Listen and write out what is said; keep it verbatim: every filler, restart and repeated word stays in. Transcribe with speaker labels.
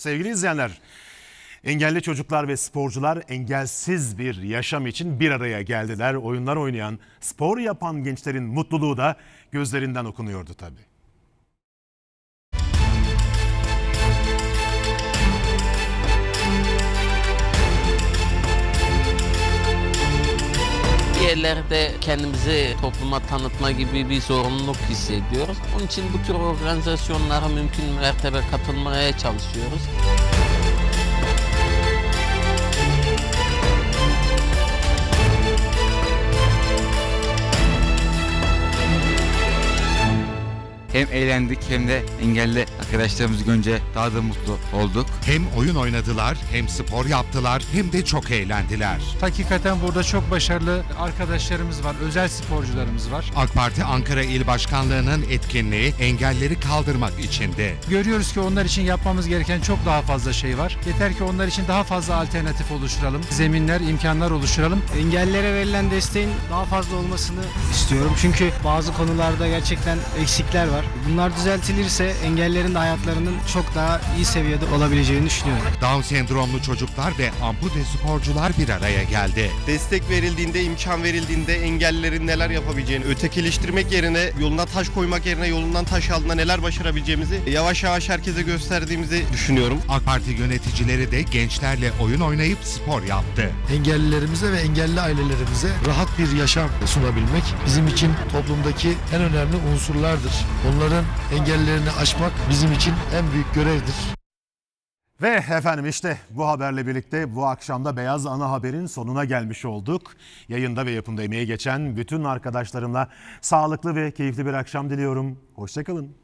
Speaker 1: Sevgili izleyenler, engelli çocuklar ve sporcular engelsiz bir yaşam için bir araya geldiler. Oyunlar oynayan, spor yapan gençlerin mutluluğu da gözlerinden okunuyordu tabii.
Speaker 2: Bir yerlerde kendimizi topluma tanıtma gibi bir zorunluluk hissediyoruz. Onun için bu tür organizasyonlara mümkün mertebe katılmaya çalışıyoruz.
Speaker 3: Hem eğlendik hem de engelli arkadaşlarımızı görünce daha da mutlu olduk.
Speaker 4: Hem oyun oynadılar, hem spor yaptılar, hem de çok eğlendiler.
Speaker 5: Hakikaten burada çok başarılı arkadaşlarımız var, özel sporcularımız var.
Speaker 4: AK Parti Ankara İl Başkanlığı'nın etkinliği engelleri kaldırmak içindi.
Speaker 5: Görüyoruz ki onlar için yapmamız gereken çok daha fazla şey var. Yeter ki onlar için daha fazla alternatif oluşturalım, zeminler, imkanlar oluşturalım.
Speaker 6: Engellilere verilen desteğin daha fazla olmasını istiyorum. Çünkü bazı konularda gerçekten eksikler var. Bunlar düzeltilirse engellerin de hayatlarının çok daha iyi seviyede olabileceğini düşünüyorum.
Speaker 4: Down sendromlu çocuklar ve ampute sporcular bir araya geldi.
Speaker 7: Destek verildiğinde, imkan verildiğinde engellilerin neler yapabileceğini, ötekileştirmek yerine, yoluna taş koymak yerine yolundan taş aldığında neler başarabileceğimizi yavaş yavaş herkese gösterdiğimizi düşünüyorum.
Speaker 4: AK Parti yöneticileri de gençlerle oyun oynayıp spor yaptı.
Speaker 8: Engellilerimize ve engelli ailelerimize rahat bir yaşam sunabilmek bizim için toplumdaki en önemli unsurlardır. Onların engellerini aşmak bizim için en büyük görevdir.
Speaker 1: Ve efendim işte bu haberle birlikte bu akşamda Beyaz Ana Haber'in sonuna gelmiş olduk. Yayında ve yapımda emeği geçen bütün arkadaşlarımla sağlıklı ve keyifli bir akşam diliyorum. Hoşça kalın.